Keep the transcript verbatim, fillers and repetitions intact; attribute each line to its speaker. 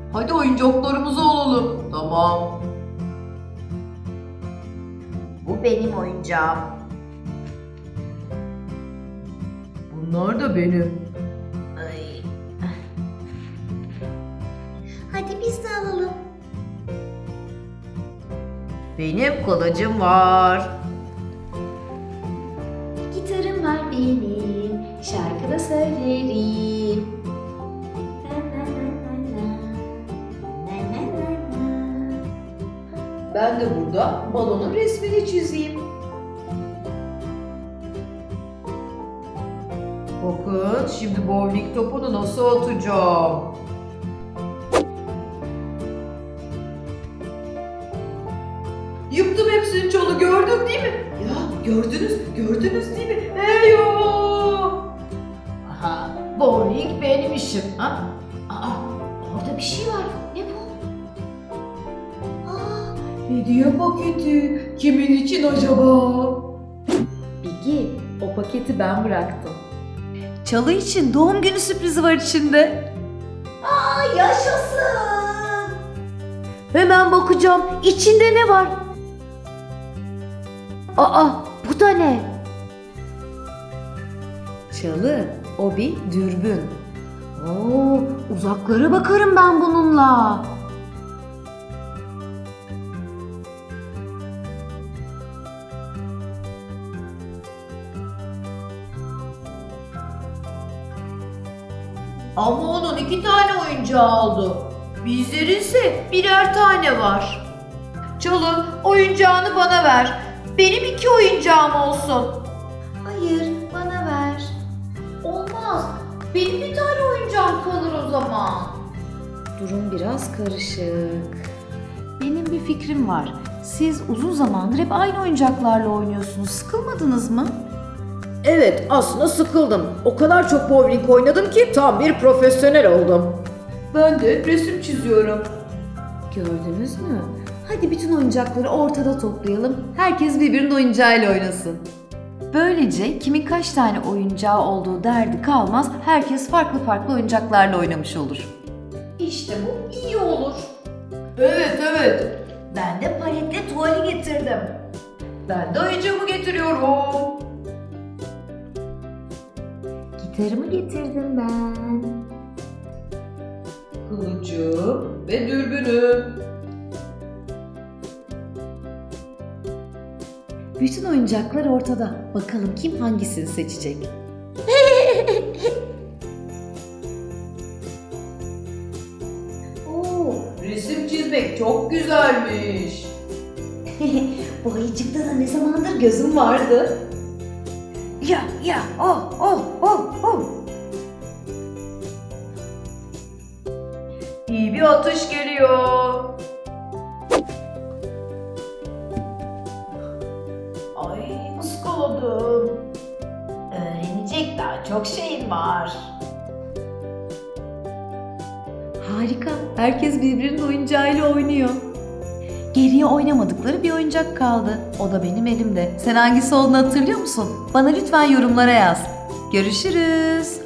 Speaker 1: Hadi oyuncaklarımızı alalım. Tamam.
Speaker 2: Bu benim oyuncağım.
Speaker 1: Bunlar da benim.
Speaker 2: Ay. Hadi biz de alalım.
Speaker 1: Benim kılıcım var.
Speaker 2: Gitarım var benim, şarkı da söylerim. Na na na na na. Na na na na.
Speaker 1: Ben de burada balonun resmini çizeyim. Bakın şimdi bowling topunu nasıl atacağım. Yıktım hepsini Çalı, gördün değil mi? Ya gördünüz, gördünüz değil mi? Eyvah! Aha, bowling benim işim. Ha?
Speaker 2: Aa, orada bir şey var. Ne bu? Aa,
Speaker 1: Hediye paketi. Kimin için acaba?
Speaker 3: Bigi, o paketi ben bıraktım. Çalı için doğum günü sürprizi var içinde.
Speaker 2: aa yaşasın.
Speaker 3: Hemen bakacağım. İçinde ne var? Aa, bu da ne? Çalı, o bir dürbün. Oo, uzaklara bakarım ben bununla.
Speaker 1: Ama onun iki tane oyuncağı oldu. Bizlerin ise birer tane var. Çalı, oyuncağını bana ver. Benim iki oyuncağım olsun.
Speaker 2: Hayır, bana ver.
Speaker 1: Olmaz. Benim bir tane oyuncağım kalır o zaman.
Speaker 3: Durum biraz karışık. Benim bir fikrim var. Siz uzun zamandır hep aynı oyuncaklarla oynuyorsunuz. Sıkılmadınız mı?
Speaker 1: Evet, aslında sıkıldım. O kadar çok bowling oynadım ki tam bir profesyonel oldum. Ben de resim çiziyorum.
Speaker 3: Gördünüz mü? Hadi bütün oyuncakları ortada toplayalım. Herkes birbirinin oyuncağıyla oynasın. Böylece kimin kaç tane oyuncağı olduğu derdi kalmaz. Herkes farklı farklı oyuncaklarla oynamış olur.
Speaker 1: İşte bu iyi olur. Evet, evet.
Speaker 2: Ben de paletli tuvali getirdim.
Speaker 1: Ben de oyuncağımı getiriyorum.
Speaker 3: Gitarımı getirdim ben.
Speaker 1: Kılıcım ve dürbünüm.
Speaker 3: Bütün oyuncaklar ortada. Bakalım kim hangisini seçecek?
Speaker 1: Oo, resim çizmek çok güzelmiş.
Speaker 2: Bu ayıcıkta da ne zamandır gözüm vardı.
Speaker 3: Ya ya oh oh oh oh.
Speaker 1: İyi bir atış geliyor. Ay, ıskaladım.
Speaker 2: Öğrenecek daha çok şeyim var.
Speaker 3: Harika. Herkes birbirinin oyuncağıyla oynuyor. Geriye oynamadıkları bir oyuncak kaldı. O da benim elimde. Sen hangisi olduğunu hatırlıyor musun? Bana lütfen yorumlara yaz. Görüşürüz.